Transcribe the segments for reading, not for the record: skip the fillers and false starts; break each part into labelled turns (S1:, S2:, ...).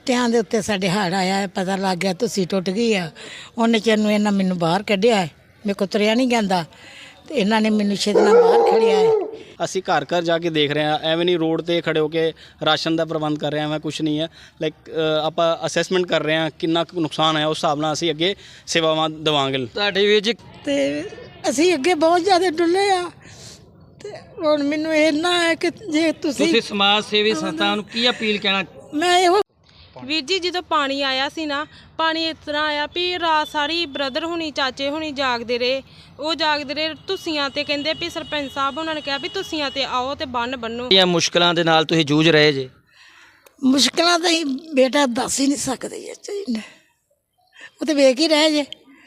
S1: ਸੁੱਤਿਆਂ ਦੇ ਉੱਤੇ ਸਾਡੇ ਹੜ੍ਹ ਆਇਆ, ਪਤਾ ਲੱਗ ਗਿਆ ਤੁਸੀਂ ਟੁੱਟ ਗਈ ਆ। ਉਹਨੇ ਚਿਰ ਨੂੰ ਇਹਨਾਂ ਮੈਨੂੰ ਬਾਹਰ ਕੱਢਿਆ, ਮੇਰੇ ਕੋਲ ਤੁਰਿਆ ਨਹੀਂ ਜਾਂਦਾ ਤੇ ਇਹਨਾਂ ਨੇ ਮੈਨੂੰ ਛੇਤੀ ਨਾਲ ਬਾਹਰ ਖੜਿਆ ਹੈ।
S2: ਅਸੀਂ ਘਰ ਘਰ ਜਾ ਕੇ ਦੇਖ ਰਹੇ ਹਾਂ, ਐਵੇਂ ਨਹੀਂ ਰੋਡ ਤੇ ਖੜੇ ਹੋ ਕੇ ਰਾਸ਼ਨ ਦਾ ਪ੍ਰਬੰਧ ਕਰ ਰਹੇ ਹਾਂ, ਐਵੇਂ ਕੁਛ ਨਹੀਂ ਹੈ। ਲਾਈਕ ਆਪਾਂ ਅਸੈਸਮੈਂਟ ਕਰ ਰਹੇ ਹਾਂ ਕਿੰਨਾ ਕੁ ਨੁਕਸਾਨ ਹੈ, ਉਸ ਹਿਸਾਬ ਨਾਲ ਅਸੀਂ ਅੱਗੇ ਸੇਵਾਵਾਂ ਦੇਵਾਂਗੇ।
S3: ਤੁਹਾਡੇ ਵੀਰ ਜੀ
S1: ਤੇ ਅਸੀਂ ਅੱਗੇ ਬਹੁਤ ਜ਼ਿਆਦਾ ਡੁੱਲੇ ਆ ਤੇ ਹੁਣ ਮੈਨੂੰ ਇੰਨਾ ਹੈ ਕਿ ਜੇ
S3: ਤੁਸੀਂ ਸਮਾਜ ਸੇਵੀ ਸੰਸਥਾ ਨੂੰ ਕੀ ਅਪੀਲ ਕਹਿਣਾ?
S1: ਮੈਂ ਇਹੋ
S4: ਵੀਰ ਜੀ ਜਦੋਂ ਪਾਣੀ ਆਇਆ ਸੀ ਨਾ, ਪਾਣੀ ਇਸ ਤਰ੍ਹਾਂ ਆਇਆ ਵੀ ਰਾਤ ਸਾਰੀ ਬ੍ਰਦਰ ਹੁਣੀ ਚਾਚੇ ਹੁਣੀ ਜਾਗਦੇ ਰਹੇ, ਉਹ ਜਾਗਦੇ ਰਹੇ ਤੁਸੀਆਂ ਤੇ ਕਹਿੰਦੇ ਵੀ ਸਰਪੰਚ ਸਾਹਿਬ ਉਹਨਾਂ ਨੇ ਕਿਹਾ ਵੀ ਤੁਸੀਆਂ ਤੇ ਆਓ ਤੇ ਬੰਨ ਬੰਨੋ।
S3: ਇਹ ਮੁਸ਼ਕਲਾਂ ਦੇ ਨਾਲ ਤੁਸੀਂ ਜੂਝ ਰਹੇ ਜੇ।
S1: ਮੁਸ਼ਕਲਾਂ ਤਾਂ ਹੀ ਬੇਟਾ ਦੱਸ ਹੀ ਨਹੀਂ ਸਕਦੇ ਇਹ, ਉਹ ਤੇ ਵੇਖ ਹੀ ਰਹੇ ਜੇ,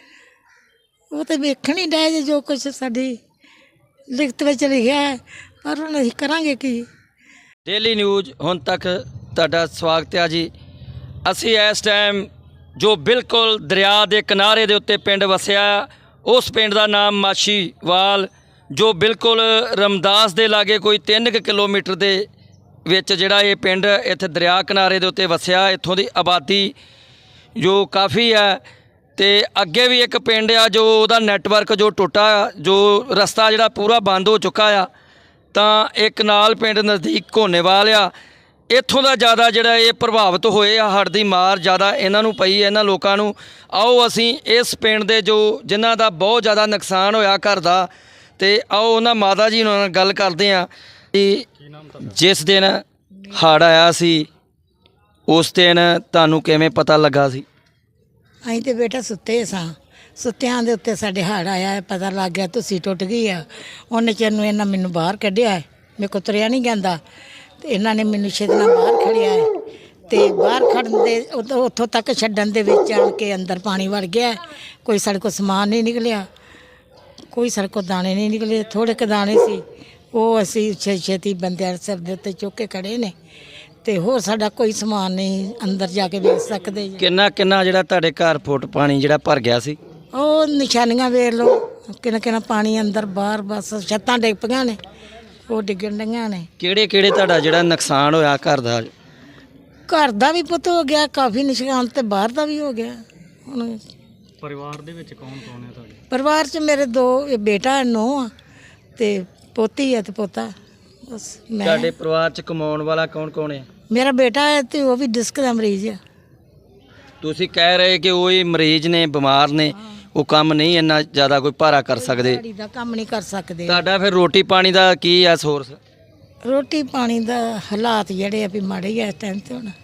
S1: ਉਹ ਤੇ ਵੇਖਣ ਹੀ ਰਹੇ ਜੇ ਜੋ ਕੁਛ ਸਾਡੀ ਲਿਖਤ ਵਿੱਚ ਲਿਖਿਆ ਹੈ, ਪਰ ਹੁਣ ਅਸੀਂ ਕਰਾਂਗੇ ਕੀ।
S3: ਡੇਲੀ ਨਿਊਜ਼ ਹੁਣ ਤੱਕ ਤੁਹਾਡਾ ਸਵਾਗਤ ਹੈ ਜੀ। ਅਸੀਂ ਇਸ ਟਾਈਮ ਜੋ ਬਿਲਕੁਲ ਦਰਿਆ ਦੇ ਕਿਨਾਰੇ ਦੇ ਉੱਤੇ ਪਿੰਡ ਵਸਿਆ, ਉਸ ਪਿੰਡ ਦਾ ਨਾਮ ਮਾਛੀਵਾਲ, ਜੋ ਬਿਲਕੁਲ ਰਮਦਾਸ ਦੇ ਲਾਗੇ ਕੋਈ 3 ਕਿਲੋਮੀਟਰ ਦੇ ਵਿੱਚ ਜਿਹੜਾ ਇਹ ਪਿੰਡ ਇੱਥੇ ਦਰਿਆ ਕਿਨਾਰੇ ਦੇ ਉੱਤੇ ਵਸਿਆ। ਇੱਥੋਂ ਦੀ ਆਬਾਦੀ ਜੋ ਕਾਫੀ ਹੈ ਤੇ ਅੱਗੇ ਵੀ ਇੱਕ ਪਿੰਡ ਆ ਜੋ ਉਹਦਾ ਨੈਟਵਰਕ ਜੋ ਟੁੱਟਾ, ਜੋ ਰਸਤਾ ਜਿਹੜਾ ਪੂਰਾ ਬੰਦ ਹੋ ਚੁੱਕਾ ਆ। ਤਾਂ ਇੱਕ ਨਾਲ ਪਿੰਡ ਨਜ਼ਦੀਕ ਘੋਨੇਵਾਲ ਆ, ਇੱਥੋਂ ਦਾ ਜ਼ਿਆਦਾ ਜਿਹੜਾ ਇਹ ਪ੍ਰਭਾਵਿਤ ਹੋਏ ਆ, ਹੜ੍ਹ ਦੀ ਮਾਰ ਜ਼ਿਆਦਾ ਇਹਨਾਂ ਨੂੰ ਪਈ, ਇਹਨਾਂ ਲੋਕਾਂ ਨੂੰ। ਆਓ ਅਸੀਂ ਇਸ ਪਿੰਡ ਦੇ ਜੋ ਜਿਨ੍ਹਾਂ ਦਾ ਬਹੁਤ ਜ਼ਿਆਦਾ ਨੁਕਸਾਨ ਹੋਇਆ ਘਰ ਦਾ, ਤੇ ਆਓ ਉਹਨਾਂ ਮਾਤਾ ਜੀ ਨਾਲ ਗੱਲ ਕਰਦੇ ਹਾਂ ਕਿ ਜਿਸ ਦਿਨ ਹੜ੍ਹ ਆਇਆ ਸੀ ਉਸ ਦਿਨ ਤੁਹਾਨੂੰ ਕਿਵੇਂ ਪਤਾ ਲੱਗਾ ਸੀ?
S1: ਅਸੀਂ ਤੇ ਬੇਟਾ ਸੁੱਤੇ ਸਾਂ, ਸੁੱਤਿਆਂ ਦੇ ਉੱਤੇ ਸਾਡੇ ਹੜ੍ਹ ਆਇਆ, ਪਤਾ ਲੱਗ ਗਿਆ ਤੁਸੀਂ ਟੁੱਟ ਗਈ ਆ। ਉਹਨੇ ਚਿਰ ਨੂੰ ਇਹਨਾਂ ਮੈਨੂੰ ਬਾਹਰ ਕੱਢਿਆ, ਮੇਰੇ ਕੋਲ ਤੁਰਿਆ ਨਹੀਂ ਜਾਂਦਾ ਤੇ ਇਹਨਾਂ ਨੇ ਮੈਨੂੰ ਛੇਤੀ ਨਾਲ ਬਾਹਰ ਖੜਿਆ ਹੈ ਤੇ ਬਾਹਰ ਖੜਨ ਦੇ ਉੱਥੋਂ ਤੱਕ ਛੱਡਣ ਦੇ ਵਿੱਚ ਆਣ ਕੇ ਅੰਦਰ ਪਾਣੀ ਵੜ ਗਿਆ। ਕੋਈ ਸਾਡੇ ਕੋਲ ਸਮਾਨ ਨਹੀਂ ਨਿਕਲਿਆ, ਕੋਈ ਸਾਡੇ ਕੋਲ ਦਾਣੇ ਨਹੀਂ ਨਿਕਲੇ, ਥੋੜ੍ਹੇ ਕੁ ਦਾਣੇ ਸੀ, ਉਹ ਅਸੀਂ ਛੇਤੀ ਬੰਦਿਆਂ ਸਿਰ ਦੇ ਉੱਤੇ ਚੁੱਕ ਕੇ ਖੜੇ ਨੇ ਤੇ ਹੋਰ ਸਾਡਾ ਕੋਈ ਸਮਾਨ ਨਹੀਂ ਅੰਦਰ ਜਾ ਕੇ ਵੇਚ ਸਕਦੇ।
S3: ਕਿੰਨਾ ਜਿਹੜਾ ਤੁਹਾਡੇ ਘਰ ਫੁੱਟ ਪਾਣੀ ਜਿਹੜਾ ਭਰ ਗਿਆ ਸੀ?
S1: ਉਹ ਨਿਸ਼ਾਨੀਆਂ ਵੇਖ ਲਓ, ਕਿੰਨਾ ਪਾਣੀ ਅੰਦਰ ਬਾਹਰ, ਬਸ ਛੱਤਾਂ ਡਿੱਗ ਪਈਆਂ ਨੇ, ਉਹ ਡਿੱਗਣ ਡੀਆਂ ਨੇ।
S3: ਕਿਹੜੇ ਤੁਹਾਡਾ ਜਿਹੜਾ ਨੁਕਸਾਨ ਹੋਇਆ ਘਰ ਦਾ?
S1: ਘਰ ਦਾ ਵੀ ਪੁੱਤ ਹੋ ਗਿਆ ਕਾਫੀ ਨੁਕਸਾਨ ਤੇ ਬਾਹਰ ਦਾ ਵੀ ਹੋ ਗਿਆ। ਹੁਣ
S2: ਪਰਿਵਾਰ ਦੇ ਵਿੱਚ ਕੌਣ ਕੌਣ ਹੈ ਤੁਹਾਡੇ?
S1: ਪਰਿਵਾਰ 'ਚ ਮੇਰੇ 2 ਬੇਟਾ ਨੂੰਹ ਆ ਤੇ ਪੋਤੀ ਹੈ ਤੇ ਪੋਤਾ, ਬਸ ਮੈਂ।
S3: ਤੁਹਾਡੇ ਪਰਿਵਾਰ 'ਚ ਕਮਾਉਣ ਵਾਲਾ ਕੌਣ ਹੈ?
S1: ਮੇਰਾ ਬੇਟਾ ਹੈ ਤੇ ਉਹ ਵੀ ਡਿਸਕ ਦਾ ਮਰੀਜ਼ ਆ।
S3: ਤੁਸੀਂ ਕਹਿ ਰਹੇ ਕਿ ਉਹ ਹੀ ਮਰੀਜ਼ ਨੇ, ਬਿਮਾਰ ਨੇ, ਉਹ ਕੰਮ ਨਹੀਂ ਇੰਨਾ ਜ਼ਿਆਦਾ ਕੋਈ ਭਾਰਾ ਕਰ ਸਕਦੇ।
S1: ਦਿਹਾੜੀ ਦਾ ਕੰਮ ਨਹੀਂ ਕਰ ਸਕਦੇ।
S3: ਤੁਹਾਡਾ ਫਿਰ ਰੋਟੀ ਪਾਣੀ ਦਾ ਕੀ ਆ ਸੋਰਸ?
S1: ਰੋਟੀ ਪਾਣੀ ਦਾ ਹਾਲਾਤ ਜਿਹੜੇ ਆ ਵੀ ਮਾੜੇ ਹੀ ਆ ਇਸ ਟਾਈਮ ਤੇ। ਹੁਣ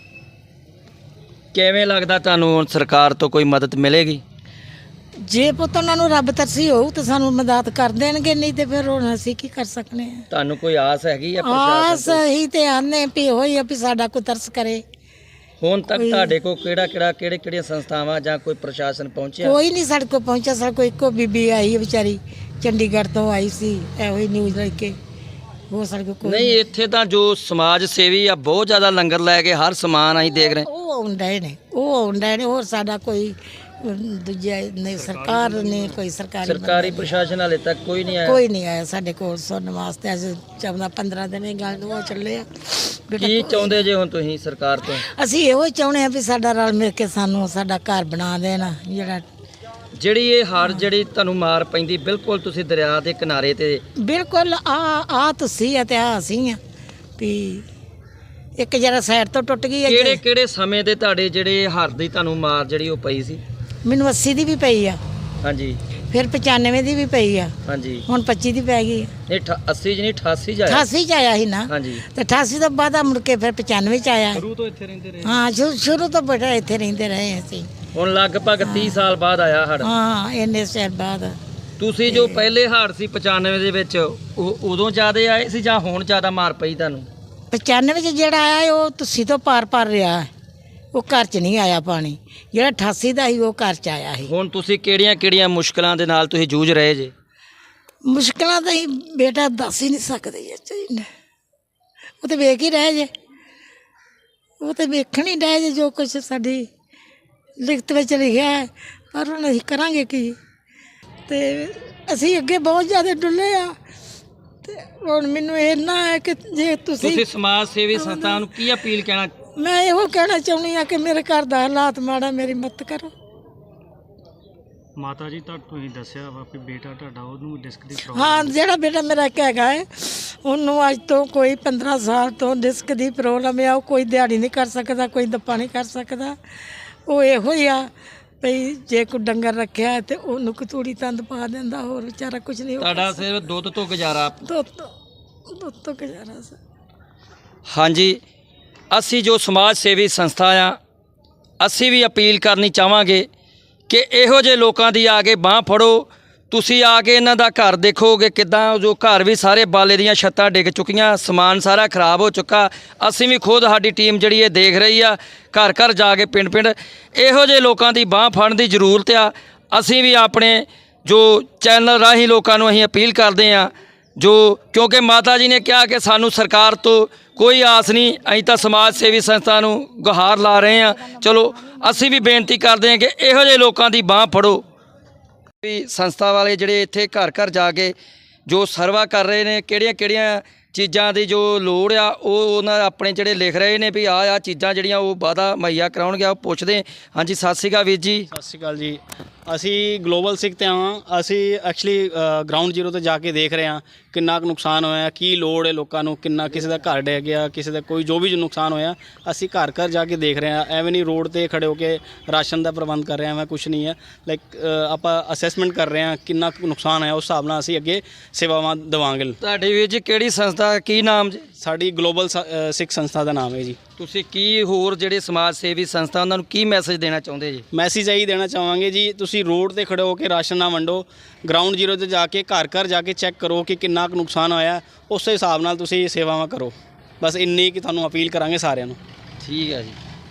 S3: ਕਿਵੇਂ ਲੱਗਦਾ ਤੁਹਾਨੂੰ ਹੁਣ ਸਰਕਾਰ ਤੋਂ ਕੋਈ ਮਦਦ ਮਿਲੇਗੀ?
S1: ਜੇ ਪੁੱਤ ਉਹਨਾਂ ਨੂੰ ਰੱਬ ਤਰਸੀ ਹੋਊ ਤਾਂ ਸਾਨੂੰ ਮਦਦ ਕਰ ਦੇਣਗੇ, ਨਹੀਂ ਤੇ ਫਿਰ ਹੁਣ ਅਸੀਂ ਕੀ ਕਰ ਸਕਨੇ ਆ।
S3: ਤੁਹਾਨੂੰ ਕੋਈ ਆਸ ਹੈਗੀ ਆ
S1: ਆਸ
S3: ਪ੍ਰਸ਼ਾਸਨ ਤੋਂ?
S1: ਹੀ ਤੇ ਆਨੇ ਵੀ ਹੋਈ ਆ ਵੀ ਸਾਡਾ ਕੋਈ ਤਰਸ ਕਰੇ।
S3: ਹੁਣ ਤੱਕ ਤੁਹਾਡੇ ਕੋਲ ਕਿਹੜੀਆਂ ਸੰਸਥਾਵਾਂ ਜਾਂ ਕੋਈ ਪ੍ਰਸ਼ਾਸਨ ਪਹੁੰਚਿਆ?
S1: ਕੋਈ ਨਹੀਂ ਸਾਡੇ ਕੋਲ ਪਹੁੰਚਿਆ। ਸਾਡੇ ਕੋਲ ਇੱਕੋ ਬੀਬੀ ਆਈ ਹੈ ਵਿਚਾਰੀ, ਚੰਡੀਗੜ੍ਹ ਤੋਂ ਆਈ ਸੀ, ਇਹੋ ਹੀ ਨਿਊਜ਼ ਲੈ ਕੇ। ਉਹ ਸਾਡੇ ਕੋਲ ਕੋਈ
S3: ਨਹੀਂ, ਇੱਥੇ ਤਾਂ ਜੋ ਸਮਾਜ ਸੇਵੀ ਆ ਬਹੁਤ ਜ਼ਿਆਦਾ ਲੰਗਰ ਲੈ ਕੇ ਹਰ ਸਮਾਨ ਅਸੀਂ ਦੇਖ ਰਹੇ।
S1: ਉਹ ਆਉਂਦੇ ਨੇ, ਹੋਰ ਸਾਡਾ ਕੋਈ ਦੂਜਾ ਨਹੀਂ, ਸਰਕਾਰ ਨੇ ਕੋਈ
S3: ਸਰਕਾਰੀ ਪ੍ਰਸ਼ਾਸਨ ਹਾਲੇ ਤੱਕ ਕੋਈ ਨਹੀਂ ਆਇਆ?
S1: ਕੋਈ ਨਹੀਂ ਆਇਆ ਸਾਡੇ ਕੋਲ ਸੁਣਨ ਵਾਸਤੇ। ਅੱਜ 14-15 ਦਿਨ ਇਹ ਗੱਲ ਉਹ ਚੱਲੇ ਆ।
S3: ਕੀ ਚਾਹੁੰਦੇ ਜੇ ਹੁਣ ਤੁਸੀਂ ਸਰਕਾਰ ਤੋਂ?
S1: ਅਸੀਂ ਇਹੋ ਚਾਹੁੰਦੇ ਆ ਵੀ ਸਾਡਾ ਰਲ ਮਿਲ ਕੇ ਸਾਨੂੰ ਸਾਡਾ ਘਰ ਬਣਾ ਦੇਣ।
S3: ਜਿਹੜੀ ਇਹ ਹੜ੍ਹ ਜਿਹੜੀ ਤੁਹਾਨੂੰ ਮਾਰ ਪੈਂਦੀ, ਬਿਲਕੁਲ ਤੁਸੀਂ ਦਰਿਆ ਦੇ ਕਿਨਾਰੇ ਤੇ
S1: ਬਿਲਕੁਲ ਆ ਤੁਸੀਂ ਆ ਤੇ ਆ ਅਸੀਂ ਆ ਵੀ ਇੱਕ ਜਰਾ ਸਾਈਡ ਤੋਂ ਟੁੱਟ ਗਈ ਹੈ।
S3: ਕਿਹੜੇ ਸਮੇਂ ਦੇ ਤੁਹਾਡੇ ਜਿਹੜੇ ਹੜ੍ਹ ਦੀ ਤੁਹਾਨੂੰ ਮਾਰ ਜਿਹੜੀ ਉਹ ਪਈ ਸੀ?
S1: ਮੈਨੂੰ 80 ਦੀ ਵੀ ਪਈ ਆ,
S3: ਹਾਂਜੀ,
S1: ਫਿਰ 95 ਦੀ ਵੀ ਪਈ ਆ,
S3: ਹਾਂਜੀ,
S1: ਹੁਣ 25 ਦੀ ਪੈ ਗਈ।
S3: ਨਹੀਂ 80 ਚ ਨਹੀਂ 88 ਚ ਆਇਆ?
S1: 88 ਚ ਆਇਆ ਸੀ ਨਾ,
S3: ਹਾਂਜੀ।
S1: ਤੇ 88 ਤੋਂ ਬਾਅਦ ਮੁੜ ਕੇ ਫਿਰ 95 ਚ ਆਇਆ।
S2: ਸ਼ੁਰੂ ਤੋਂ ਇੱਥੇ ਰਹਿੰਦੇ ਰਹੇ?
S1: ਹਾਂ, ਸ਼ੁਰੂ ਤੋਂ ਬੇਟਾ ਇੱਥੇ ਰਹਿੰਦੇ ਰਹੇ ਅਸੀਂ।
S3: ਹੁਣ ਲਗਭਗ 30 ਸਾਲ ਬਾਅਦ ਆਇਆ ਹੜ੍ਹ।
S1: ਹਾਂ, ਇੰਨੇ ਸਾਲ ਬਾਅਦ।
S3: ਤੁਸੀਂ ਜੋ ਪਹਿਲੇ ਹੜ੍ਹ ਸੀ 95 ਦੇ ਵਿੱਚ, ਉਦੋਂ ਜ਼ਿਆਦਾ ਆਏ ਸੀ ਜਾਂ ਹੁਣ ਜ਼ਿਆਦਾ ਮਾਰ ਪਈ ਤੁਹਾਨੂੰ?
S1: 95 ਚ ਜਿਹੜਾ ਆਇਆ ਉਹ ਤੁਸੀਂ ਤੋਂ ਪਾਰ ਰਿਹਾ, ਉਹ ਘਰ ਚ ਨਹੀਂ ਆਇਆ ਪਾਣੀ। ਜਿਹੜਾ 88 ਦਾ ਸੀ ਉਹ ਘਰ ਚ ਆਇਆ ਸੀ।
S3: ਹੁਣ ਤੁਸੀਂ ਕਿਹੜੀਆਂ ਮੁਸ਼ਕਲਾਂ ਦੇ ਨਾਲ ਤੁਸੀਂ ਜੂਝ ਰਹੇ ਜੇ?
S1: ਮੁਸ਼ਕਲਾਂ ਤਾਂ ਹੀ ਬੇਟਾ ਦੱਸ ਹੀ ਨਹੀਂ ਸਕਦੇ ਉਹ ਤੇ ਵੇਖ ਹੀ ਰਹੇ ਜੇ, ਉਹ ਤੇ ਵੇਖਣ ਹੀ ਰਹੇ ਜੇ ਜੋ ਕੁਛ ਸਾਡੀ ਲਿਖਤ ਵਿੱਚ ਲਿਖਿਆ ਹੈ, ਪਰ ਹੁਣ ਅਸੀਂ ਕਰਾਂਗੇ ਕੀ। ਤੇ ਅਸੀਂ ਅੱਗੇ ਬਹੁਤ ਜ਼ਿਆਦਾ ਡੁੱਲੇ ਆ ਤੇ ਹੁਣ ਮੈਨੂੰ ਇੰਨਾ ਹੈ ਕਿ ਜੇ ਤੁਸੀਂ
S3: ਸਮਾਜ ਸੇਵੀ ਸੰਸਥਾ ਨੂੰ ਕੀ ਅਪੀਲ ਕਹਿਣਾ
S1: ਮੈਂ ਇਹੋ ਕਹਿਣਾ ਚਾਹੁੰਦੀ ਆ ਕਿ ਮੇਰੇ ਘਰ ਦਾ ਹਾਲਾਤ ਮਾੜਾ, ਮੇਰੀ ਮਦਦ ਕਰੋ।
S5: ਮਾਤਾ ਜੀ ਤੁਸੀਂ ਦੱਸਿਆ ਵਾ ਕਿ ਬੇਟਾ ਤੁਹਾਡਾ ਉਹਨੂੰ ਡਿਸਕ ਦੀ
S1: ਹਾਂ, ਜਿਹੜਾ ਬੇਟਾ ਮੇਰਾ ਇੱਕ ਹੈਗਾ ਹੈ, ਉਹਨੂੰ ਅੱਜ ਤੋਂ ਕੋਈ 15 ਸਾਲ ਤੋਂ ਡਿਸਕ ਦੀ ਪ੍ਰੋਬਲਮ ਆ। ਉਹ ਕੋਈ ਦਿਹਾੜੀ ਨਹੀਂ ਕਰ ਸਕਦਾ, ਕੋਈ ਦੱਪਾ ਨਹੀਂ ਕਰ ਸਕਦਾ। ਉਹ ਇਹੋ ਹੀ ਆ ਭਈ ਜੇ ਕੋਈ ਡੰਗਰ ਰੱਖਿਆ ਹੈ ਤੇ ਉਹਨੂੰ ਕਤੂੜੀ ਤੰਦ ਪਾ ਦਿੰਦਾ, ਹੋਰ ਵਿਚਾਰਾ ਕੁਝ ਨਹੀਂ।
S3: ਤੁਹਾਡਾ ਸਿਰਫ ਦੁੱਧ ਤੋਂ ਗੁਜ਼ਾਰਾ।
S1: ਦੁੱਧ ਤੋਂ ਗੁਜ਼ਾਰਾ ਸੀ।
S3: ਹਾਂਜੀ, ਅਸੀਂ ਜੋ ਸਮਾਜ ਸੇਵੀ ਸੰਸਥਾ ਆ, ਅਸੀਂ ਵੀ ਅਪੀਲ ਕਰਨੀ ਚਾਹਾਂਗੇ ਕਿ ਇਹੋ ਜਿਹੇ ਲੋਕਾਂ ਦੀ ਆ ਕੇ ਬਾਂਹ ਫੜੋ। ਤੁਸੀਂ ਆ ਕੇ ਇਹਨਾਂ ਦਾ ਘਰ ਦੇਖੋਗੇ ਕਿੱਦਾਂ, ਜੋ ਘਰ ਵੀ ਸਾਰੇ ਬਾਲੇ ਦੀਆਂ ਛੱਤਾਂ ਡਿੱਗ ਚੁੱਕੀਆਂ, ਸਮਾਨ ਸਾਰਾ ਖਰਾਬ ਹੋ ਚੁੱਕਾ। ਅਸੀਂ ਵੀ ਖੁਦ, ਸਾਡੀ ਟੀਮ ਜਿਹੜੀ ਇਹ ਦੇਖ ਰਹੀ ਆ, ਘਰ ਘਰ ਜਾ ਕੇ ਪਿੰਡ ਪਿੰਡ ਇਹੋ ਜਿਹੇ ਲੋਕਾਂ ਦੀ ਬਾਂਹ ਫੜਨ ਦੀ ਜ਼ਰੂਰਤ ਆ। ਅਸੀਂ ਵੀ ਆਪਣੇ ਜੋ ਚੈਨਲ ਰਾਹੀਂ ਲੋਕਾਂ ਨੂੰ ਅਸੀਂ ਅਪੀਲ ਕਰਦੇ ਹਾਂ, ਕਿਉਂਕਿ ਮਾਤਾ ਜੀ ਨੇ ਕਿਹਾ ਕਿ ਸਾਨੂੰ ਸਰਕਾਰ ਤੋਂ ਕੋਈ ਆਸ ਨਹੀਂ, ਅਸੀਂ ਤਾਂ ਸਮਾਜ ਸੇਵੀ ਸੰਸਥਾ ਨੂੰ ਗੁਹਾਰ ਲਾ ਰਹੇ ਹਾਂ। ਚਲੋ ਅਸੀਂ ਵੀ ਬੇਨਤੀ ਕਰਦੇ ਹਾਂ ਕਿ ਇਹੋ ਜਿਹੇ ਲੋਕਾਂ ਦੀ ਬਾਂਹ ਫੜੋ। ਵੀ ਸੰਸਥਾ ਵਾਲੇ ਜਿਹੜੇ ਇੱਥੇ ਘਰ ਘਰ ਜਾ ਕੇ ਜੋ ਸਰਵਾ ਕਰ ਰਹੇ ਨੇ, ਕਿਹੜੀਆਂ ਚੀਜ਼ਾਂ ਦੀ ਜੋ ਲੋੜ ਆ, ਉਹ ਉਹਨਾਂ ਆਪਣੇ ਜਿਹੜੇ ਲਿਖ ਰਹੇ ਨੇ ਵੀ ਆਹ ਚੀਜ਼ਾਂ ਜਿਹੜੀਆਂ ਉਹ ਵਾਅਦਾ ਮੁਹੱਈਆ ਕਰਾਉਣਗੇ। ਉਹ ਪੁੱਛਦੇ। ਹਾਂਜੀ, ਸਤਿ ਸ਼੍ਰੀ ਅਕਾਲ ਵੀਰ ਜੀ।
S2: ਸਤਿ ਸ਼੍ਰੀ ਅਕਾਲ ਜੀ। ਅਸੀਂ ਗਲੋਬਲ ਸਿੱਖ ਤੇ ਹਾਂ। ਅਸੀਂ ਐਕਚੁਅਲੀ ਗਰਾਊਂਡ ਜ਼ੀਰੋ ਤੇ ਜਾ ਕੇ ਦੇਖ ਰਹੇ ਹਾਂ ਕਿੰਨਾ ਕੁ ਨੁਕਸਾਨ ਹੋਇਆ, ਕੀ ਲੋੜ ਹੈ ਲੋਕਾਂ ਨੂੰ, ਕਿੰਨਾ ਕਿਸੇ ਦਾ ਘਰ ਡਿੱਗ ਗਿਆ, ਕਿਸੇ ਦਾ ਕੋਈ ਜੋ ਵੀ ਨੁਕਸਾਨ ਹੋਇਆ, ਅਸੀਂ ਘਰ ਘਰ ਜਾ ਕੇ ਦੇਖ ਰਹੇ ਹਾਂ। ਐਵੇਂ ਨਹੀਂ ਰੋਡ ਤੇ ਖੜੇ ਹੋ ਕੇ ਰਾਸ਼ਨ ਦਾ ਪ੍ਰਬੰਧ ਕਰ ਰਹੇ ਹਾਂ, ਐਵੇਂ ਕੁਝ ਨਹੀਂ ਹੈ। ਲਾਈਕ ਆਪਾਂ ਅਸੈਸਮੈਂਟ ਕਰ ਰਹੇ ਹਾਂ ਕਿੰਨਾ ਕੁ ਨੁਕਸਾਨ ਹੈ, ਉਸ ਹਿਸਾਬ ਨਾਲ ਅਸੀਂ ਅੱਗੇ ਸੇਵਾਵਾਂ ਦੇਵਾਂਗੇ।
S3: ਤੁਹਾਡੀ ਵੀਰ ਜੀ ਕਿਹੜੀ ਸੰਸਥਾ, ਕੀ ਨਾਮ ਜੀ?
S2: ਸਾਡੀ ਗਲੋਬਲ ਸਿੱਖ ਸੰਸਥਾ ਦਾ ਨਾਮ ਹੈ ਜੀ।
S3: ਤੁਸੀਂ ਕੀ ਹੋਰ ਜਿਹੜੇ ਸਮਾਜ ਸੇਵੀ ਸੰਸਥਾ ਉਹਨਾਂ ਨੂੰ ਕੀ ਮੈਸੇਜ ਦੇਣਾ ਚਾਹੁੰਦੇ ਜੀ?
S2: ਮੈਸੇਜ ਇਹੀ ਦੇਣਾ ਚਾਹਾਂਗੇ ਜੀ, ਤੁਸੀਂ ਰੋਡ ਤੇ ਖੜੇ ਹੋ ਕੇ ਰਾਸ਼ਨ ਨਾ ਵੰਡੋ, ਗਰਾਊਂਡ ਜ਼ੀਰੋ ਤੇ ਜਾ ਕੇ ਘਰ ਘਰ ਜਾ ਕੇ ਚੈੱਕ ਕਰੋ ਕਿ ਕਿੰਨਾ ਕੁ ਨੁਕਸਾਨ ਹੋਇਆ, ਉਸੇ ਹਿਸਾਬ ਨਾਲ ਤੁਸੀਂ ਸੇਵਾਵਾਂ ਕਰੋ। ਬਸ ਇੰਨੀ ਕਿ ਤੁਹਾਨੂੰ ਅਪੀਲ ਕਰਾਂਗੇ ਸਾਰਿਆਂ ਨੂੰ।
S3: ਠੀਕ ਹੈ ਜੀ।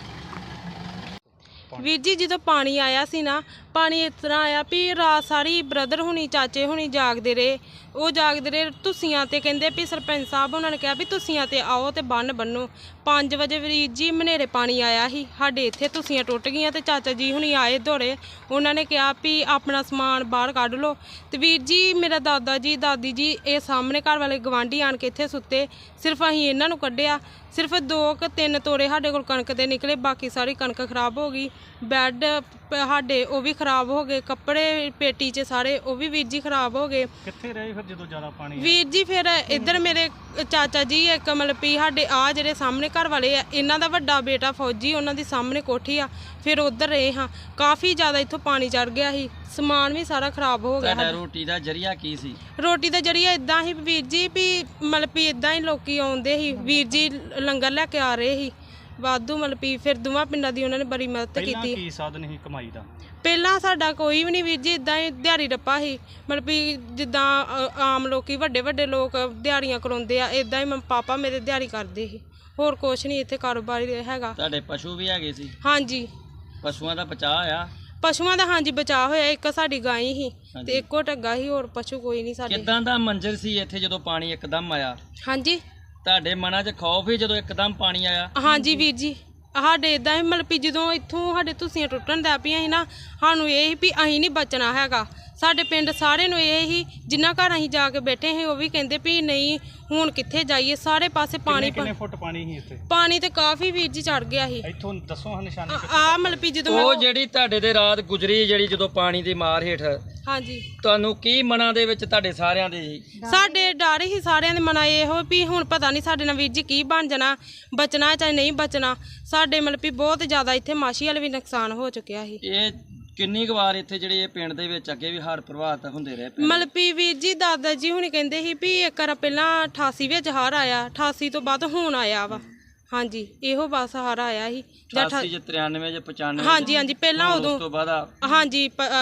S4: ਵੀਰ ਜੀ ਜਦੋਂ ਪਾਣੀ ਆਇਆ ਸੀ ਨਾ, ਪਾਣੀ ਇਸ ਤਰ੍ਹਾਂ ਆਇਆ ਵੀ ਰਾਤ ਸਾਰੀ ਬ੍ਰਦਰ ਹੁਣੀ, ਚਾਚੇ ਹੁਣੀ ਜਾਗਦੇ ਰਹੇ। ਉਹ ਜਾਗਦੇ ਰਹੇ ਤੁਸੀਆਂ ਤੇ, ਕਹਿੰਦੇ ਵੀ ਸਰਪੰਚ ਸਾਹਿਬ ਉਹਨਾਂ ਨੇ ਕਿਹਾ ਵੀ ਤੁਸੀਆਂ ਤੇ ਆਓ ਤੇ ਬੰਨ ਬੰਨੋ। 5 ਵਜੇ ਵੀਰ ਜੀ ਮਨੇਰੇ ਪਾਣੀ ਆਇਆ ਸੀ ਸਾਡੇ ਇੱਥੇ, ਤੁਸੀਆਂ ਟੁੱਟ ਗਈਆਂ ਤੇ ਚਾਚਾ ਜੀ ਹੁਣੀ ਆਏ ਦੌੜੇ। ਉਹਨਾਂ ਨੇ ਕਿਹਾ ਵੀ ਆਪਣਾ ਸਮਾਨ ਬਾਹਰ ਕੱਢ ਲਓ। ਤੇ ਵੀਰ ਜੀ ਮੇਰਾ ਦਾਦਾ ਜੀ, ਦਾਦੀ ਜੀ, ਇਹ ਸਾਹਮਣੇ ਘਰ ਵਾਲੇ ਗਵਾਂਢੀ ਆਣ ਕੇ ਇੱਥੇ ਸੁੱਤੇ। ਸਿਰਫ ਅਸੀਂ ਇਹਨਾਂ ਨੂੰ ਕੱਢਿਆ। ਸਿਰਫ 2-3 ਤੋੜੇ ਸਾਡੇ ਕੋਲ ਕਣਕ ਦੇ ਨਿਕਲੇ, ਬਾਕੀ ਸਾਰੀ ਕਣਕ ਖਰਾਬ ਹੋ ਗਈ। ਬੈੱਡ ਸਾਡੇ ਉਹ ਵੀ ਖਰਾਬ ਹੋ ਗਏ, ਕੱਪੜੇ ਪੇਟੀ 'ਚ ਸਾਰੇ ਉਹ ਵੀ ਵੀਰ ਜੀ ਖਰਾਬ ਹੋ ਗਏ।
S5: ਕਿੱਥੇ ਰਹੇ ਫਿਰ ਜਦੋਂ ਜ਼ਿਆਦਾ ਪਾਣੀ?
S4: ਵੀਰ ਜੀ ਫਿਰ ਇੱਧਰ ਮੇਰੇ ਚਾਚਾ ਜੀ ਇੱਕ ਮਤਲਬ ਵੀ ਸਾਡੇ ਆ ਜਿਹੜੇ ਸਾਹਮਣੇ ਘਰ ਵਾਲੇ ਆ, ਇਹਨਾਂ ਦਾ ਵੱਡਾ ਬੇਟਾ ਫੌਜੀ, ਉਹਨਾਂ ਦੀ ਸਾਹਮਣੇ ਕੋਠੀ ਆ, ਫਿਰ ਉੱਧਰ ਰਹੇ ਹਾਂ। ਕਾਫੀ ਜ਼ਿਆਦਾ ਇੱਥੋਂ ਪਾਣੀ ਚੜ ਗਿਆ ਸੀ, ਸਮਾਨ ਵੀ ਸਾਰਾ ਖਰਾਬ ਹੋ ਗਿਆ।
S3: ਤੁਹਾਡਾ ਰੋਟੀ ਦਾ ਜ਼ਰੀਆ ਕੀ ਸੀ?
S4: ਰੋਟੀ ਦਾ ਜ਼ਰੀਆ ਇਦਾਂ ਹੀ ਵੀਰ ਜੀ ਵੀ ਮਤਲਬ ਵੀ ਇਦਾਂ ਹੀ ਲੋਕੀ ਆਉਂਦੇ ਸੀ, ਵੀਰ ਜੀ ਲੰਗਰ ਲੈ ਕੇ ਆ ਰਹੇ ਸੀ ਵਾਧੂ, ਮਤਲਬ ਵੀ ਫਿਰ ਦੋਵਾਂ ਪਿੰਡਾਂ ਦੀ ਉਹਨਾਂ ਨੇ ਬੜੀ ਮਦਦ ਕੀਤੀ।
S5: ਕੀ ਸਾਧਨ ਸੀ ਕਮਾਈ ਦਾ?
S4: ਪਹਿਲਾਂ ਸਾਡਾ ਕੋਈ ਵੀ ਨਹੀਂ ਵੀਰ ਜੀ, ਇਦਾਂ ਹੀ ਦਿਹਾੜੀ ਰੱਪਾ ਸੀ। ਮਤਲਬ ਵੀ ਜਿੱਦਾਂ ਆਮ ਲੋਕੀ ਵੱਡੇ ਵੱਡੇ ਲੋਕ ਦਿਹਾੜੀਆਂ ਕਰਾਉਂਦੇ ਆ, ਇਦਾਂ ਹੀ ਪਾਪਾ ਮੇਰੇ ਦਿਹਾੜੀ ਕਰਦੇ ਸੀ। ਹੋਰ ਕੁਛ ਨਹੀਂ ਇੱਥੇ ਕਾਰੋਬਾਰ ਹੈਗਾ।
S3: ਤੁਹਾਡੇ ਪਸ਼ੂ ਵੀ ਹੈਗੇ ਸੀ?
S4: ਹਾਂਜੀ,
S3: ਪਸ਼ੂਆਂ ਦਾ ਬਚਾਅ ਆ?
S4: ਪਸ਼ੂਆਂ ਦਾ ਹਾਂਜੀ ਬਚਾਅ ਹੋਇਆ। ਇੱਕ ਸਾਡੀ ਗਾਂ ਸੀ ਤੇ ਇੱਕੋ ਢੱਗਾ ਸੀ, ਹੋਰ ਪਸ਼ੂ ਕੋਈ ਨਹੀਂ ਸਾਡੇ।
S3: ਕਿੱਦਾਂ ਦਾ ਮੰਜ਼ਰ ਸੀ ਇੱਥੇ ਜਦੋਂ ਪਾਣੀ ਇੱਕਦਮ ਆਇਆ?
S4: ਹਾਂਜੀ,
S3: ਤੁਹਾਡੇ ਮਨਾਂ 'ਚ ਖੌਫ ਹੀ ਜਦੋਂ ਇੱਕਦਮ ਪਾਣੀ ਆਇਆ?
S4: ਹਾਂਜੀ ਵੀਰ ਜੀ, ਸਾਡੇ ਇਦਾਂ ਹੀ ਮਤਲਬ ਵੀ ਜਦੋਂ ਇੱਥੋਂ ਸਾਡੇ ਤੁਸੀਆਂ ਟੁੱਟਣ ਲੱਗ ਪਈਆਂ ਸੀ ਨਾ, ਸਾਨੂੰ ਇਹ ਸੀ ਵੀ ਅਸੀਂ ਨਹੀਂ ਬਚਣਾ ਹੈਗਾ। ਸਾਡੇ ਪਿੰਡ ਸਾਰੇ ਨੂੰ ਇਹ ਹੀ, ਜਿੰਨਾ ਘਰ ਅਸੀਂ ਜਾ ਕੇ ਬੈਠੇ ਸੀ ਉਹ ਵੀ ਕਹਿੰਦੇ ਵੀ ਨਹੀਂ ਹੁਣ ਕਿੱਥੇ ਜਾਈਏ, ਸਾਰੇ ਪਾਸੇ ਪਾਣੀ।
S5: ਕਿੰਨੇ ਫੁੱਟ ਪਾਣੀ ਸੀ ਇੱਥੇ?
S4: ਪਾਣੀ ਤੇ ਕਾਫੀ ਵੀਰ ਜੀ ਚੜ ਗਿਆ ਸੀ।
S5: ਇੱਥੋਂ ਦੱਸੋ ਹਾਂ ਨਿਸ਼ਾਨੀ।
S4: ਆ ਮਤਲਬ ਵੀ ਜਦੋਂ
S3: ਉਹ ਜਿਹੜੀ ਤੁਹਾਡੇ ਦੇ ਰਾਤ ਗੁਜ਼ਰੀ, ਜਿਹੜੀ ਜਦੋਂ ਪਾਣੀ ਦੀ ਮਾਰ ਹੇਠ,
S4: ਹਾਂਜੀ,
S3: ਤੁਹਾਨੂੰ ਕੀ ਮਨਾਂ ਦੇ ਵਿੱਚ ਤੁਹਾਡੇ ਸਾਰਿਆਂ ਦੇ ਜੀ?
S4: ਸਾਡੇ ਡਰ ਹੀ ਸਾਰਿਆਂ ਦੇ ਮਨਾਂ ਇਹੋ ਵੀ ਹੁਣ ਪਤਾ ਨਹੀਂ ਸਾਡੇ ਨਾਲ ਵੀਰ ਜੀ ਕੀ ਬਣ ਜਾਣਾ, ਬਚਣਾ ਚਾਹੇ ਨਹੀਂ ਬਚਣਾ। ਸਾਡੇ ਮਤਲਬ ਵੀ ਬਹੁਤ ਜ਼ਿਆਦਾ ਇੱਥੇ ਮਾਛੀ ਵਾਲੇ ਵੀ ਨੁਕਸਾਨ ਹੋ ਚੁੱਕਿਆ ਸੀ।
S3: ਇਹ ਕਿੰਨੀ ਕੁ ਵਾਰ ਇੱਥੇ ਜਿਹੜੇ ਇਹ ਪਿੰਡ ਦੇ ਵਿੱਚ ਅੱਗੇ ਵੀ ਹੜ੍ਹ ਪ੍ਰਭਾਵਿਤ ਹੁੰਦੇ ਰਹੇ?
S4: ਮਤਲਬ ਵੀ ਵੀਰ ਜੀ ਦਾਦਾ ਜੀ ਹੁਣੀ ਕਹਿੰਦੇ ਸੀ ਵੀ ਇੱਕ ਵਾਰ ਪਹਿਲਾਂ 88 ਵਿੱਚ ਹੜ੍ਹ ਆਇਆ, 88 ਤੋਂ ਬਾਅਦ ਹੁਣ ਆਇਆ ਵਾ। ਹਾਂਜੀ, ਇਹੋ ਬਸ ਹੜ੍ਹ ਆਇਆ ਸੀ
S3: 88 ਚ 93 ਚ 95।
S4: ਹਾਂਜੀ ਹਾਂਜੀ, ਪਹਿਲਾਂ
S3: ਉਸ
S4: ਉਦੋਂ
S3: ਤੋਂ ਬਾਅਦ
S4: ਹਾਂਜੀ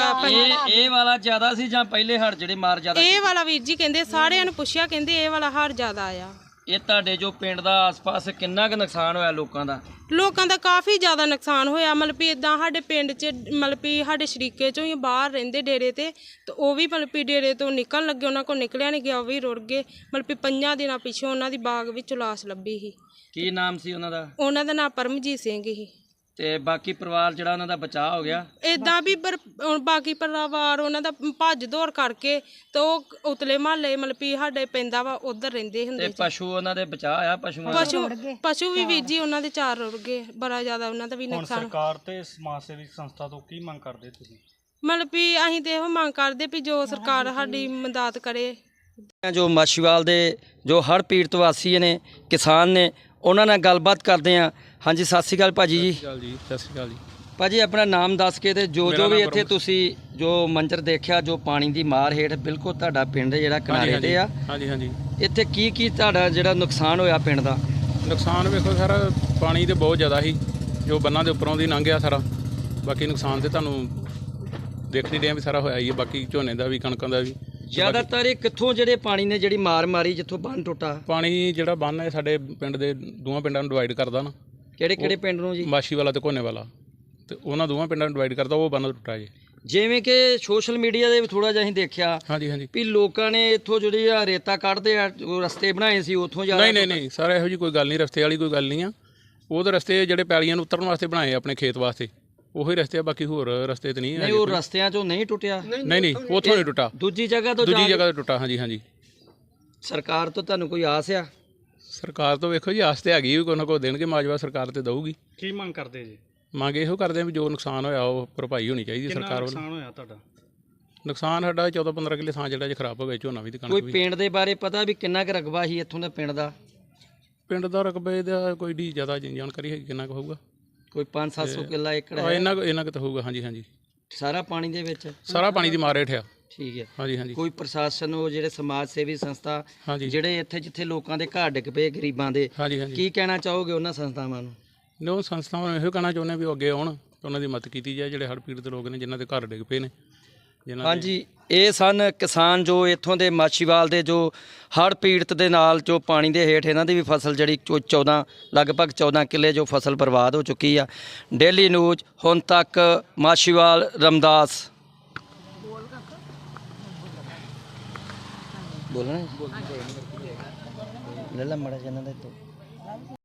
S3: ਇਹ ਵਾਲਾ ਜ਼ਿਆਦਾ ਸੀ ਜਾਂ ਪਹਿਲੇ ਹੜ੍ਹ ਜਿਹੜੇ ਮਾਰ ਜ਼ਿਆਦਾ?
S4: ਇਹ ਵਾਲਾ ਵੀਰ ਜੀ ਕਹਿੰਦੇ, ਸਾਰਿਆਂ ਨੂੰ ਪੁੱਛਿਆ, ਕਹਿੰਦੇ ਇਹ ਵਾਲਾ ਹੜ੍ਹ ਜ਼ਿਆਦਾ ਆਇਆ।
S3: ਇਹ ਤੁਹਾਡੇ ਜੋ ਪਿੰਡ ਦਾ ਆਸ-ਪਾਸ ਕਿੰਨਾ ਕੁ ਨੁਕਸਾਨ ਹੋਇਆ ਲੋਕਾਂ ਦਾ?
S4: ਲੋਕਾਂ ਦਾ ਕਾਫੀ ਜ਼ਿਆਦਾ ਨੁਕਸਾਨ ਹੋਇਆ। ਮਤਲਬ ਵੀ ਇਦਾਂ ਸਾਡੇ ਪਿੰਡ 'ਚ ਮਤਲਬ ਵੀ ਸਾਡੇ ਸ਼ਰੀਕੇ 'ਚੋਂ ਹੀ ਬਾਹਰ ਰਹਿੰਦੇ ਡੇਰੇ ਤੇ ਉਹ ਵੀ ਮਤਲਬ ਵੀ ਡੇਰੇ ਤੋਂ ਨਿਕਲਣ ਲੱਗੇ, ਉਹਨਾਂ ਕੋਲ ਨਿਕਲਿਆ ਨਹੀਂ ਗਿਆ, ਉਹ ਵੀ ਰੁੜ ਗਏ। ਮਤਲਬ ਵੀ 5 ਦਿਨਾਂ ਪਿੱਛੋਂ ਉਹਨਾਂ ਦੀ ਬਾਗ ਵਿੱਚੋਂ ਲਾਸ਼ ਲੱਭੀ ਸੀ।
S3: ਕੀ ਨਾਮ ਸੀ ਉਹਨਾਂ ਦਾ?
S4: ਉਹਨਾਂ ਦਾ ਨਾਮ ਪਰਮਜੀਤ ਸਿੰਘ ਸੀ।
S3: ਤੇ ਬਾਕੀ ਪਰਿਵਾਰ ਜਿਹੜਾ ਉਹਨਾਂ ਦਾ ਬਚਾਅ ਹੋ ਗਿਆ।
S4: ਇਦਾਂ ਵੀ ਬਾਕੀ ਪਰਿਵਾਰ ਉਹਨਾਂ ਦਾ ਭੱਜ ਦੌੜ ਕਰਕੇ ਤੇ ਉਹ ਉਤਲੇ ਮਹੱਲੇ ਮਤਲਬ ਵੀ ਸਾਡੇ ਪੈਂਦਾ ਵਾ ਉਧਰ ਰਹਿੰਦੇ ਹੁੰਦੇ
S3: ਤੇ ਪਸ਼ੂ ਉਹਨਾਂ ਦੇ ਬਚਾਅ ਆ ਪਸ਼ੂਆਂ ਦਾ?
S4: ਪਸ਼ੂ ਵੀ ਵੀਰ ਜੀ ਉਹਨਾਂ ਦੇ 4 ਰੁੜ ਗਏ, ਬੜਾ ਜ਼ਿਆਦਾ ਉਹਨਾਂ ਦਾ ਵੀ
S5: ਹੁਣ
S4: ਨੁਕਸਾਨ।
S5: ਸਰਕਾਰ ਤੇ ਸਮਾਜ ਸੇਵੀ ਸੰਸਥਾ ਤੋਂ ਕੀ ਮੰਗ ਕਰਦੇ ਤੁਸੀਂ?
S4: ਮਤਲਬ ਵੀ ਅਸੀਂ ਤੇ ਇਹੋ ਮੰਗ ਕਰਦੇ ਵੀ ਜੋ ਸਰਕਾਰ ਸਾਡੀ ਮਦਦ ਕਰੇ।
S3: ਜੋ ਮਾਛੀਵਾਲ ਦੇ ਜੋ ਹੜ੍ਹ ਪੀੜਤ ਵਾਸੀ ਨੇ, ਕਿਸਾਨ ਨੇ, ਉਹਨਾਂ ਨਾਲ ਗੱਲਬਾਤ ਕਰਦੇ ਆ। ਹਾਂਜੀ, ਸਤਿ ਸ਼੍ਰੀ ਅਕਾਲ ਭਾਜੀ ਜੀ।
S2: ਸਤਿ ਸ਼੍ਰੀ ਅਕਾਲ ਜੀ।
S3: ਭਾਜੀ ਆਪਣਾ ਨਾਮ ਦੱਸ ਕੇ ਤੇ ਜੋ ਵੀ ਇੱਥੇ ਤੁਸੀਂ ਜੋ ਮੰਜ਼ਰ ਦੇਖਿਆ, ਜੋ ਪਾਣੀ ਦੀ ਮਾਰ ਹੇਠ ਬਿਲਕੁਲ ਤੁਹਾਡਾ ਪਿੰਡ ਜਿਹੜਾ ਕਿਨਾਰੇ ਤੇ ਆ,
S2: ਹਾਂਜੀ
S3: ਇੱਥੇ ਕੀ ਤੁਹਾਡਾ ਜਿਹੜਾ ਨੁਕਸਾਨ ਹੋਇਆ ਪਿੰਡ ਦਾ?
S6: ਨੁਕਸਾਨ ਵੇਖੋ ਸਰ, ਪਾਣੀ ਤੇ ਬਹੁਤ ਜ਼ਿਆਦਾ ਸੀ ਜੋ ਬੰਨਾਂ ਦੇ ਉੱਪਰੋਂ ਦੀ ਲੰਘ ਗਿਆ ਸਾਰਾ। ਬਾਕੀ ਨੁਕਸਾਨ ਤੇ ਤੁਹਾਨੂੰ ਦੇਖ ਨਹੀਂ ਰਿਹਾ ਵੀ ਸਾਰਾ ਹੋਇਆ ਹੀ ਹੈ। ਬਾਕੀ ਝੋਨੇ ਦਾ ਵੀ, ਕਣਕਾਂ ਦਾ ਵੀ।
S3: ਜ਼ਿਆਦਾਤਰ ਇਹ ਕਿੱਥੋਂ ਜਿਹੜੇ ਪਾਣੀ ਨੇ ਜਿਹੜੀ ਮਾਰ ਮਾਰੀ, ਜਿੱਥੋਂ ਬੰਨ ਟੁੱਟਾ?
S6: ਪਾਣੀ ਜਿਹੜਾ ਬੰਨ ਹੈ ਸਾਡੇ ਪਿੰਡ ਦੇ ਦੋਵਾਂ ਪਿੰਡਾਂ ਨੂੰ ਡਿਵਾਈਡ ਕਰਦਾ ਨਾ।
S3: ਕਿਹੜੇ ਪਿੰਡ ਨੂੰ ਜੀ?
S6: ਮਾਛੀ ਵਾਲਾ ਤੇ ਕੋਨੇ ਵਾਲਾ, ਤੇ ਉਹਨਾਂ ਦੋਵਾਂ ਪਿੰਡਾਂ ਨੂੰ ਡਿਵਾਈਡ ਕਰਦਾ, ਉਹ ਬੰਨ ਟੁੱਟਾ ਜੀ।
S3: ਜਿਵੇਂ ਕਿ ਸੋਸ਼ਲ ਮੀਡੀਆ ਦੇ ਵੀ ਥੋੜਾ ਜਿਹਾ ਅਸੀਂ ਦੇਖਿਆ
S6: ਹਾਂਜੀ
S3: ਵੀ ਲੋਕਾਂ ਨੇ ਇੱਥੋਂ ਜਿਹੜੀ ਆ ਰੇਤਾ ਕੱਢਦੇ ਆ, ਉਹ ਰਸਤੇ ਬਣਾਏ ਸੀ ਉੱਥੋਂ ਜਾ
S6: ਨਹੀਂ ਸਰ, ਇਹੋ ਜਿਹੀ ਕੋਈ ਗੱਲ ਨਹੀਂ, ਰਸਤੇ ਵਾਲੀ ਕੋਈ ਗੱਲ ਨਹੀਂ ਆ। ਉਹ ਤਾਂ ਰਸਤੇ ਜਿਹੜੇ ਪੈਲੀਆਂ ਨੂੰ ਉਤਰਨ ਵਾਸਤੇ ਬਣਾਏ ਆਪਣੇ ਖੇਤ ਵਾਸਤੇ, ਉਹੀ ਰਸਤੇ ਆ। ਬਾਕੀ ਹੋਰ ਰਸਤੇ ਤੇ ਨਹੀਂ
S3: ਨਹੀਂ, ਉਹ ਰਸਤਿਆਂ ਚੋਂ ਨਹੀਂ ਟੁੱਟਿਆ?
S6: ਨਹੀਂ ਉੱਥੋਂ ਨਹੀਂ ਟੁੱਟਾ,
S3: ਦੂਜੀ ਜਗ੍ਹਾ ਤੋਂ
S6: ਟੁੱਟਾ। ਹਾਂਜੀ।
S3: ਸਰਕਾਰ ਤੋਂ ਤੁਹਾਨੂੰ ਕੋਈ ਆਸ ਆ?
S6: ਸਰਕਾਰ ਤੋਂ ਵੇਖੋ ਜੀ, ਆਸ ਤੇ ਹੈਗੀ ਵੀ ਕੋਈ ਨਾ ਕੋਈ ਦੇਣਗੇ ਮਾਜਵਾ, ਸਰਕਾਰ ਤੇ ਦਊਗੀ।
S5: ਕੀ ਮੰਗ ਕਰਦੇ ਜੀ?
S6: ਮੰਗ ਇਹੋ ਕਰਦੇ ਆ ਵੀ ਜੋ ਨੁਕਸਾਨ ਹੋਇਆ ਉਹ ਭਰਪਾਈ ਹੋਣੀ ਚਾਹੀਦੀ ਸਰਕਾਰ ਵੱਲੋਂ।
S5: ਨੁਕਸਾਨ ਹੋਇਆ ਤੁਹਾਡਾ?
S6: ਨੁਕਸਾਨ ਸਾਡਾ 14-15 ਕਿੱਲੇ ਥਾਂ ਜਿਹੜਾ ਖਰਾਬ ਹੋ ਗਿਆ, ਝੋਨਾ ਵੀ ਤੇ ਕਣਕ
S3: ਕੋਈ
S6: ਵੀ।
S3: ਪਿੰਡ ਦੇ ਬਾਰੇ ਪਤਾ ਵੀ ਕਿੰਨਾ ਕੁ ਰਕਬਾ ਸੀ ਇੱਥੋਂ ਦਾ ਪਿੰਡ ਦਾ?
S6: ਪਿੰਡ ਦਾ ਰਕਬੇ ਦਾ ਕੋਈ ਢੀ ਜ਼ਿਆਦਾ ਜਾਣਕਾਰੀ ਹੈਗੀ ਕਿੰਨਾ ਕੁ ਹੋਊਗਾ?
S3: ਕੋਈ 500-700 ਕਿੱਲਾ ਏਕੜ ਹੈ?
S6: ਇੰਨਾ ਕੁ ਤਾਂ ਹੋਊਗਾ। ਹਾਂਜੀ
S3: ਸਾਰਾ ਪਾਣੀ ਦੇ ਵਿੱਚ?
S6: ਸਾਰਾ ਪਾਣੀ ਦੀ ਮਾਰ ਹੇਠ ਆ।
S3: ਠੀਕ ਹੈ।
S6: ਹਾਂਜੀ
S3: ਕੋਈ ਪ੍ਰਸ਼ਾਸਨ, ਉਹ ਜਿਹੜੇ ਸਮਾਜ ਸੇਵੀ ਸੰਸਥਾ,
S6: ਹਾਂਜੀ
S3: ਜਿਹੜੇ ਇੱਥੇ ਜਿੱਥੇ ਲੋਕਾਂ ਦੇ ਘਰ ਡਿੱਗ ਪਏ ਗਰੀਬਾਂ ਦੇ,
S6: ਹਾਂਜੀ
S3: ਕੀ ਕਹਿਣਾ ਚਾਹੋਗੇ ਉਹਨਾਂ ਸੰਸਥਾਵਾਂ ਨੂੰ?
S6: ਨੋ ਸੰਸਥਾਵਾਂ ਨੂੰ ਇਹੋ ਕਹਿਣਾ ਚਾਹੁੰਦੇ ਵੀ ਉਹ ਅੱਗੇ ਆਉਣ ਤੇ ਉਹਨਾਂ ਦੀ ਮਦਦ ਕੀਤੀ ਜਾਏ, ਜਿਹੜੇ ਹੜ੍ਹ ਪੀੜਤ ਲੋਕ ਨੇ ਜਿਨ੍ਹਾਂ ਦੇ ਘਰ ਡਿੱਗ ਪਏ ਨੇ।
S3: ਹਾਂਜੀ, ਇਹ ਸਨ ਕਿਸਾਨ ਜੋ ਇੱਥੋਂ ਦੇ ਮਾਛੀਵਾਲ ਦੇ ਜੋ ਹੜ੍ਹ ਪੀੜਤ ਦੇ ਨਾਲ ਜੋ ਪਾਣੀ ਦੇ ਹੇਠ ਇਹਨਾਂ ਦੀ ਵੀ ਫਸਲ ਜਿਹੜੀ ਲਗਭਗ 14 ਕਿੱਲੇ ਜੋ ਫਸਲ ਬਰਬਾਦ ਹੋ ਚੁੱਕੀ ਆ। ਡੇਲੀ ਨਿਊਜ਼ ਹੁਣ ਤੱਕ ਮਾਛੀਵਾਲ ਰਮਦਾਸ। ਬੋਲਣਾ ਲੈ ਲਾ ਮੜਾ ਜਨਾਂ ਦੇ ਤੋਂ।